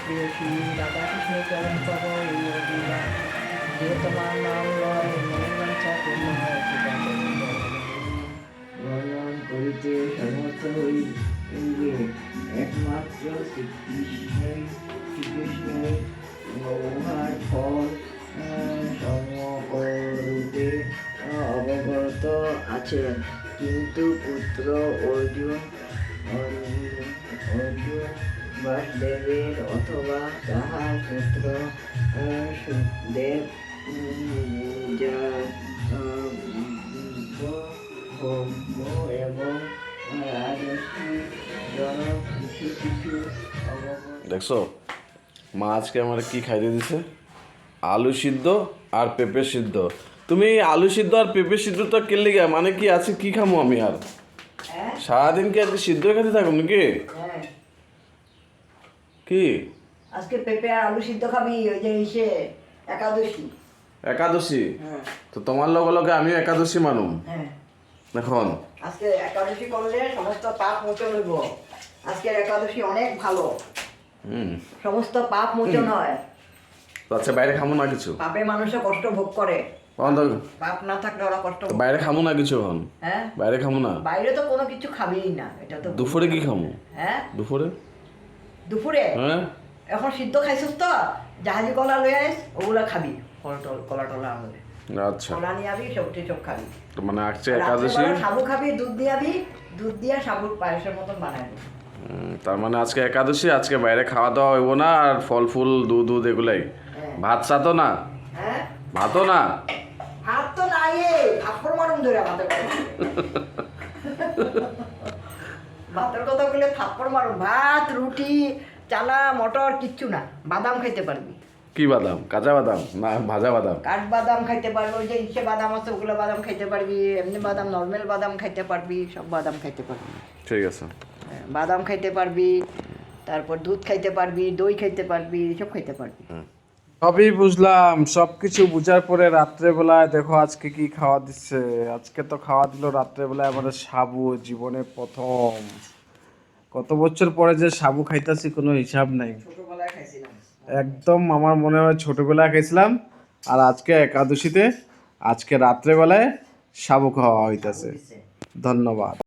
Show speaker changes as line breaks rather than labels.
প্রেয়সী রাধাকৃষ্ণের চরণ পাব এই অভিলা, যে তোমার নাম লয় মনের বাঞ্ছা পূর্ণ হয় কৃপা করুন বর্ণন করিতে সমর্থ হই যে একমাত্র শ্রীকৃষ্ণের উহার ফল সমকরূপে অবগত আছেন, কিন্তু পুত্র অর্জুন বাসুদেবের অথবা তাহার পুত্র সুখদেব এবং রাজর্ষি জনক কিছু কিছু
দেখছো মা আজকে আমার কি খাইতে দিছে? আলু সিদ্ধ আর পেঁপে সিদ্ধ। তুমি আলু সিদ্ধ আর পেঁপে সিদ্ধ তো কেলে গা, মানে কি আছে কি খামো আমি আর? সারাদিন কি আজকে সিদ্ধ খেতে থাকুন নাকি? কি
আজকে পেঁপে আর আলু সিদ্ধ খাবি? ওই যে এসে একাদশী।
একাদশী? তো তোমার লগে লগে আমিও একাদশী মানুম এখন।
আজকে একাদশী করলে সমস্ত পাপ মোচন হইব। আজকের একাদশী অনেক ভালো, সমস্ত পাপ মোচন হয়।
আচ্ছা বাইরে খামো না কিছু?
পাপে মানুষে কষ্ট ভোগ করে, পাপ না থাকলে ওরা কষ্ট ভোগ।
বাইরে খামো না কিছু এখন?
হ্যাঁ
বাইরে খামো না।
বাইরে তো কোনো কিছু খাবেই না, এটা তো।
দুপুরে কি খামো?
হ্যাঁ
দুপুরে হ্যাঁ
এখন সিদ্ধ খাইছিস তো, জাহাজি কলা লই আইস, ওগুলা খাবি। কলা টলা আমাদের
আচ্ছা
কলা নিয়ে আবি, সবজি সব খাবি।
তো মানে আজকে একাদশী,
সাবু খাবি, দুধ দিয়ে আবি, দুধ দিয়ে সাবুর পায়েসের মতন বানাই দিবি।
তার মানে আজকে একাদশী, আজকে বাইরে খাওয়া দাওয়া হইব না, আর ফল ফুল দুধ এগুলাই। ভাত সাতো না?
হ্যাঁ
ভাতও না?
ভাত তো নাই, থাপ্পড় মারুম ধরে আমাদের ভাতের কথা বলে থাপ্পড় মারুম। ভাত, রুটি, চানা, মটর কিচ্ছু না। বাদাম খাইতে পারবি।
কি বাদাম? কাঁচা বাদাম না ভাজা বাদাম?
কাঠ বাদাম খাইতে পারবি, ওই যে ইসে বাদাম আছে ওগুলো বাদাম খাইতে পারবি, এমনি বাদাম নর্মাল বাদাম খাইতে পারবি, সব বাদাম খাইতে পারবি।
ঠিক আছে,
বাদাম খাইতে পারবি, তারপর দুধ খাইতে পারবি, দই খাইতে পারবি, সব খাইতে পারবি।
সবই বুঝলাম, সবকিছু বুঝার পরে রাত্রেবেলায় দেখো আজকে কি খাওয়া দিচ্ছে। আজকে তো খাওয়া দিল রাত্রেবেলায় আমাদের সাবু, জীবনে প্রথম। কত বছর পরে যে সাবু খাইতেছি কোনো হিসাব নাই।
ছোটবেলায় খাইছিলাম
একদম, আমার মনে হয় ছোটবেলায় খাইছিলাম। আর আজকে একাদশীতে, আজকে রাত্রেবেলায় সাবু খাওয়া হইতাছে। ধন্যবাদ।